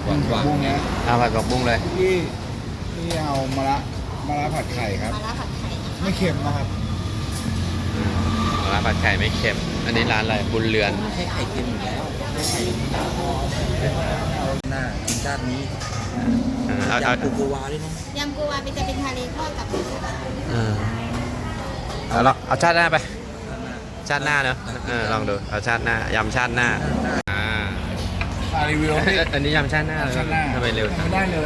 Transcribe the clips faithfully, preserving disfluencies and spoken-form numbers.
หวานหวานบุ้งนะเอาผัดผักบุ้งเลยที่ที่เอามะระมะระผัดไข่ครับมาล่าผัดไข่นะคะไม่เค็มนะครับอืมร้านผัดไข่ไม่เค็ม อันนี้ร้านอะไรบุญเรือนไม่ใช่ไข่เค็มอยู่แล้วไม่ใช่ไข่หน้ากินชาตินี้เออเอาเอายำปูปูวาด้วยนะยำกูวาเป็นจะเป็นทะเลทอดกับหมูสับเออเอาละเอาชาติหน้าไป ชาติหน้าเนอะเออลองดู เอาชาติหน้ายำชาติหน้าอ่าอ่ารีวิวเอ้ให้ยอันนี้ยำชาติหน้าเลยชาติหน้าทำไมเร็วจังไม่ได้เลย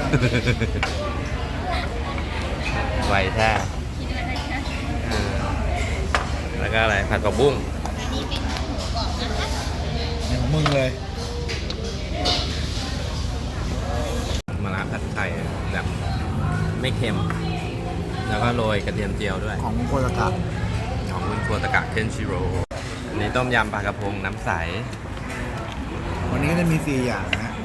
ไวแท้เออแล้วก็อะไรผัดผักบุ้งอันนี้เป็นหมูกรอบนะคะเนี่ยของมึงเลยมะระผัดไข่แบบไม่เค็ม แล้วก็โรยกระเทียมเจียวด้วยของมงคลตะกะของคุณครัวตะกะเคนชิโร่อันนี้ต้มยำปลากระพงน้ำใสวันนี้ก็จะมีสี่อย่างนะฮะ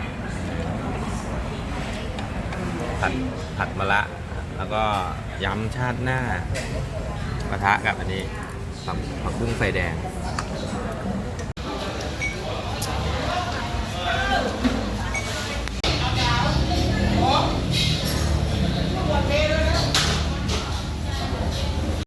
ผัดผัดมะระแล้วก็ยำชาติหน้าปะทะกับอันนี้ผักผักบุ้งไฟแดง